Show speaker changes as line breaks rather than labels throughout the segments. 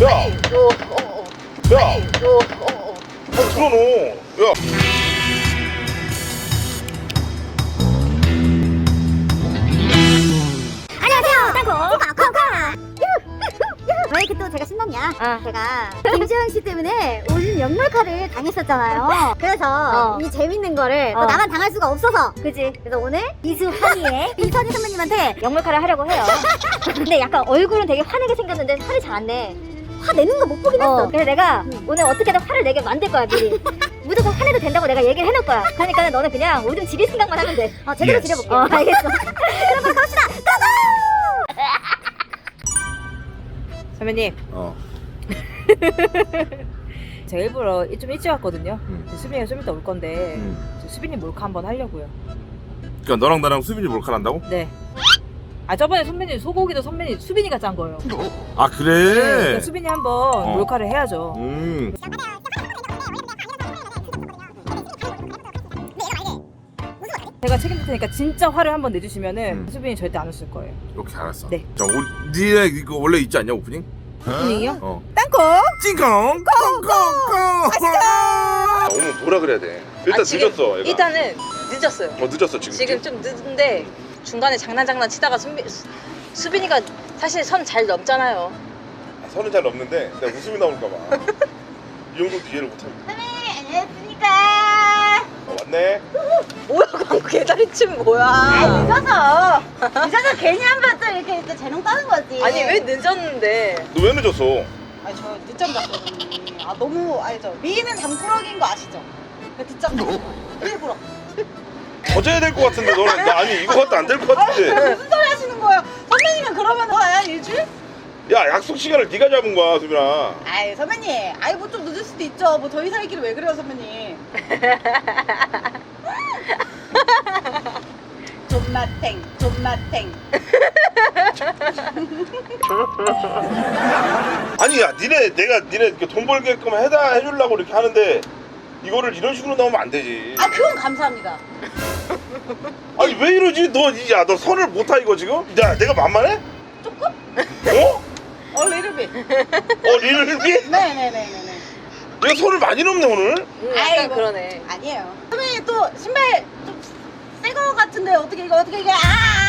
아니,
야,
아니,
들어놓어. 야.
안녕하세요, 땅콩 콩콩. 왜 이렇게 또 제가 신났냐? 제가 김지현 씨 때문에 오늘 역몰카를 당했었잖아요. 그래서 이 재밌는 거를 또 나만 당할 수가 없어서, 그지? 그래서 오늘 이수환이의 이선희 선배님한테 역몰카를 하려고 해요. 근데 약간 얼굴은 되게 화내게 생겼는데 화를 잘 안 내. 화 내는 거 못 보긴 했어. 그래서 내가 오늘 어떻게든 화를 내게 만들 거야, 미리. 무조건 화내도 된다고 내가 얘기를 해놓을 거야. 그러니까 너는 그냥 오줌 지릴 생각만 하면 돼. 제대로 지려볼게. 알겠어. 그럼 갑시다. 고고!
선배님. 제가 일부러 좀 일찍 왔거든요. 수빈이가 좀 이따 올 건데 수빈이 몰카 한번 하려고요.
그러니까 너랑 나랑 수빈이 몰카한다고?
네. 저번에 선배님 소고기도 선배님 수빈이가 짠 거예요.
아 그래?
그러니까 수빈이 한번 몰카를 해야죠. 제가 책임질 테니까 진짜 화를 한번 내주시면은 수빈이 절대 안 웃을 거예요.
오케이 알았어.
네.
자, 니네 이거 원래 있지 않냐 오프닝?
오프닝이요?
땅콩 찡콩 콩콩콩. 오늘 뭐라 그래야 돼? 일단 늦었어. 얘가.
일단은 늦었어요.
늦었어 지금.
지금 좀 늦은데 중간에 장난 치다가 수빈이가 사실 선 잘 넘잖아요.
선은 잘 넘는데 내가 웃음이 나올까 봐. 이 정도 기회를 못 합니다.
안녕하십니까.
왔네.
뭐야 방금 개다리춤 뭐야?
늦어서 괜히 한번 또 이렇게 재롱 따는 거지.
아니 왜 늦었는데?
너 왜 늦었어?
아니 저 늦잠 잤거든요. 너무 알죠. 미인은 잠꾸러기인 거 아시죠? 그 늦잠 잤어요. 일부러.
더 자야 될 것 같은데 너는 나 아니 이거 갖도 안 될 것 같은데.
무슨 소리 하시는 거예요? 선배님은 그러면 뭐야 일주일?
야 약속 시간을 네가 잡은 거야 수빈아.
아이 선배님, 뭐 좀 늦을 수도 있죠. 뭐 저희 사이끼리 왜 그래요 선배님? 존맛탱.
아니 야 니네 이렇게 돈 벌게끔 해주려고 이렇게 하는데 이거를 이런 식으로 나오면 안 되지.
그건 감사합니다.
아니 왜 이러지? 너 선을 못 타 이거 지금? 야 내가 만만해?
조금?
리를비?
네네네네.
내가 선을 많이 넘네 오늘.
약간 그러네.
아니에요. 선배님 또 신발 좀 새 거 같은데 어떻게 이게 어떻게 이게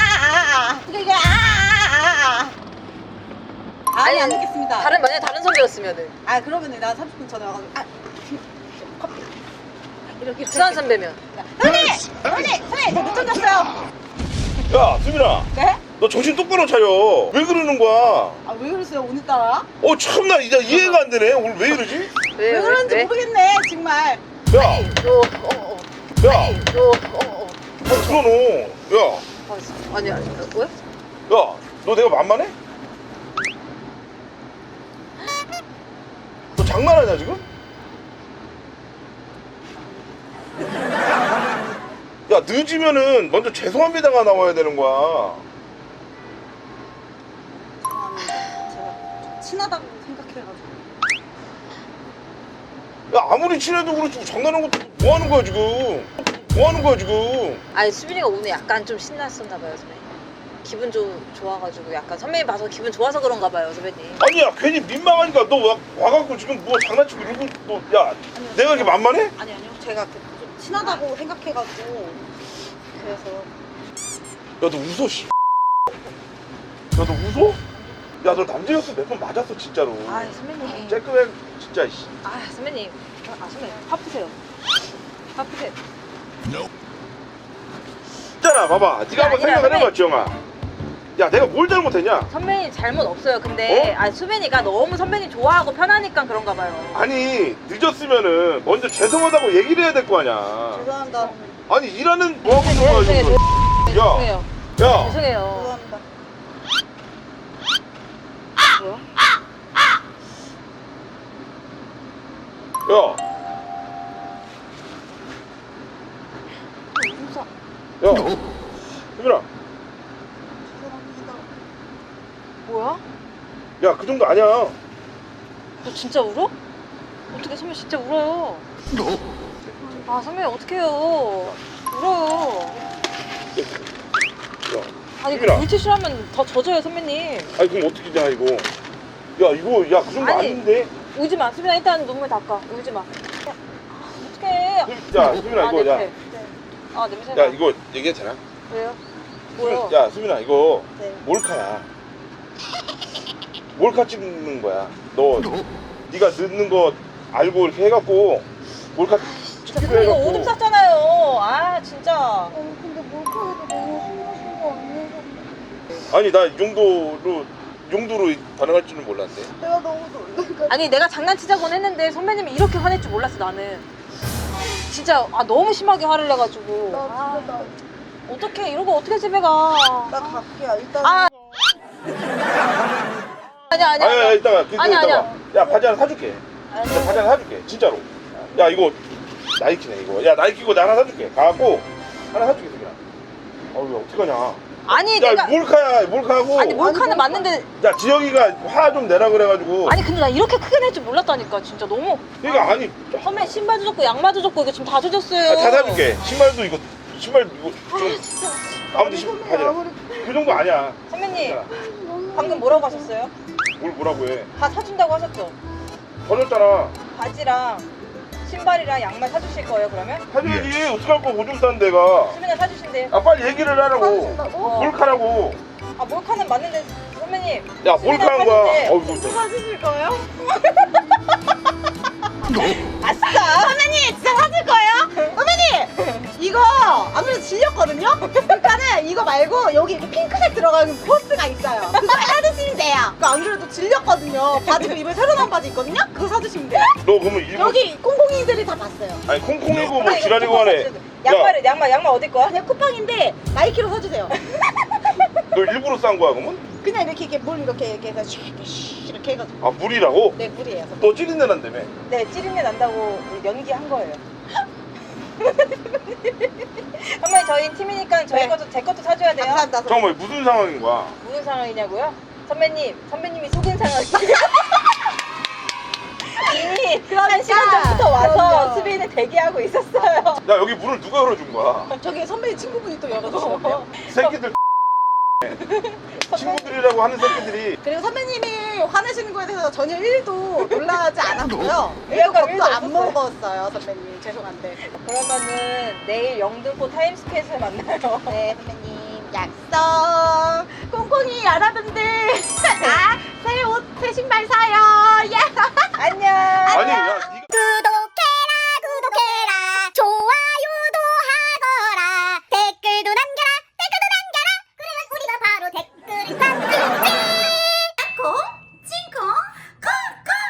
아니 안 듣겠습니다.
만약 다른 선배였으면은
그러면은 나 30분 전에 와가지고 커피 이렇게
수환 선배면.
선배님 저 못 던졌어요.
야 수빈아
네?
너 정신 똑바로 차려. 왜 그러는 거야?
왜 그러세요 오늘따라?
참나 이제 이해가 안 되네. 오늘 왜 이러지?
왜 그런지 모르겠네 정말.
야 들어놓어. 야
아니 뭐야?
너 내가 만만해? 너 장난하냐 지금? 야 늦으면은 먼저 죄송합니다가 나와야 되는 거야.
죄송합니다. 제가 좀 친하다고 생각해가지고.
야 아무리 친해도 그렇지 장난하는 것도 뭐 하는 거야 지금?
아니 수빈이가 오늘 약간 좀 신났었나 봐요 선배님. 기분 좋아가지고 약간 선배님 봐서 기분 좋아서 그런가 봐요 선배님.
아니야 괜히 민망하니까 너 와갖고 지금 뭐 장난치고 이러고 야 내가 이렇게 만만해?
아니요 제가 좀 친하다고 생각해가지고 그래서.
야 너 웃어 씨. 야 너 웃어? 야 너 남자였어 몇 번 맞았어 진짜로.
선배님.
쬐끄맨 진짜 씨.
선배님. 선배님 화 푸세요.
있잖아 봐봐 네가 한번 생각을 해봐 지영아. 야 내가 뭘 잘못했냐?
선배님 잘못 없어요. 근데 수빈이가 너무 선배님 좋아하고 편하니까 그런가 봐요.
아니 늦었으면은 먼저 죄송하다고 얘기를 해야 될 거 아니야.
죄송합니다.
아니 일하는 뭐하고 있는 거야 지금.
죄송해요.
야
죄송해요.
죄송합니다.
뭐야?
야 수빈아
죄송합니다.
뭐야?
야 그 정도 아니야.
너 진짜 울어? 어떻게 선배 진짜 울어요? 선배님 어떡해요. 울어요.
야
아니
수빈아.
물티슈 하면 더 젖어요 선배님.
아니 그럼 어떻게 냐 이거. 야 이거 야 그 정도
아니.
아닌데?
울지 마. 수빈아 일단 눈물 닦아. 울지 마. 어떡해.
야 수빈아 이거 야.
냄새. 아 냄새나.
야 이거 얘기해도 되나?
왜요? 뭐요?
야 수빈아 이거
네.
몰카야. 몰카 찍는 거야. 너 네가 늦는 거 알고 이렇게 해갖고 몰카
진짜
찍기로
선배 이거
해갖고.
오줌 쌌잖아요. 아 진짜.
근데 몰카에도 너무 신나신 거 아니에요?
아니 나 이 정도로 반응할 줄은 몰랐네.
내가 너무 놀래.
아니 내가 장난치자곤 했는데 선배님이 이렇게 화낼 줄 몰랐어 나는. 진짜 너무 심하게 화를 내가지고.
나 진짜
어떡해 이러고 어떻게 집에 가.
나 갈게. 일단.
아. 아니야.
아니야 이따가
아니야,
이따가. 야 바지 하나 사줄게. 야, 바지 하나 사줄게 진짜로. 야 이거 나이키네 이거. 야 나이키고 나 하나 사줄게. 가갖고 하나 사줄게 수빈아. 어우 어떡하냐.
아니
야
내가
몰카하고.
아니 몰카는 맞는데
야 지영이가 화 좀 내라 그래가지고.
아니 근데 나 이렇게 크게 낼 줄 몰랐다니까 진짜 너무.
그러니까 아니
선배 신발도 줬고 양말도 줬고 이거 지금 다 젖었어요.
다 사줄게. 신발도 이거 신발 이거 좀
진짜.
아무튼 바지라. 그 정도 아니야.
선배님
야,
방금 뭐라고 하셨어요?
뭐라고 해?
다 사준다고 하셨죠?
버렸잖아.
바지랑 신발이랑 양말 사주실 거예요 그러면?
사줘야지. 어떡할 거 오줌 싼 데가.
수빈아 사주신대요.
아 빨리 얘기를 하라고.
어.
몰카라고.
아 몰카는 맞는데 선배님.
야
수빈아
몰카한 거야.
사준대.
어우 이거
사주실 거예요?
아싸!
선배님 진짜 사줄 거예요? 선배님 이거 아무래도 질렸거든요? 그러니까는 이거 말고 여기 이렇게 핑크색 들어가는 코스가 있어요. 그거 사주시면 돼요. 그거 안 그래도 질렸거든요. 바지 그 이번에 새로 나온 바지 있거든요? 그거 사주시면 돼요.
너 그러면 일본
여기 콩콩이들이 다 봤어요.
아니 콩콩이고 뭐
이거
지랄이고
쿠팡
하네.
사주셔야 돼. 양말 어디 거야?
그냥 쿠팡인데 나이키로 사주세요.
너 일부러 싼 거야 그러면?
그냥 이렇게 물 이렇게 해서 이렇게 해가지고.
아 물이라고?
네 물이에요. 선배님.
너 찌린내 난다며.
네 찌린내 난다고 연기한 거예요. 선배님 저희 팀이니까 저희
네.
것도 제 것도 사줘야 돼요.
감사합니다. 선배님.
잠깐만 무슨 상황인 거야?
무슨 상황이냐고요? 선배님이 속은 상황이에요. 이미
그러니까.
한 시간 전부터 와서
그럼요.
수비는 대기하고 있었어요.
야 여기 문을 누가 열어준 거야?
저기 선배님 친구분이 또 열어주시는데요.
새끼들 친구들이라고 하는 새끼들이.
그리고 선배님이 화내시는 거에 대해서 전혀 1도 놀라지 않았고요. 1도
위화감
겁도
일도
안
없었어요.
먹었어요, 선배님. 죄송한데.
그러면은 내일 영등포 타임스퀘어에서 만나요.
네, 선배님. 약속. 콩콩이 여러분들. 나 새 옷, 새 신발 사요.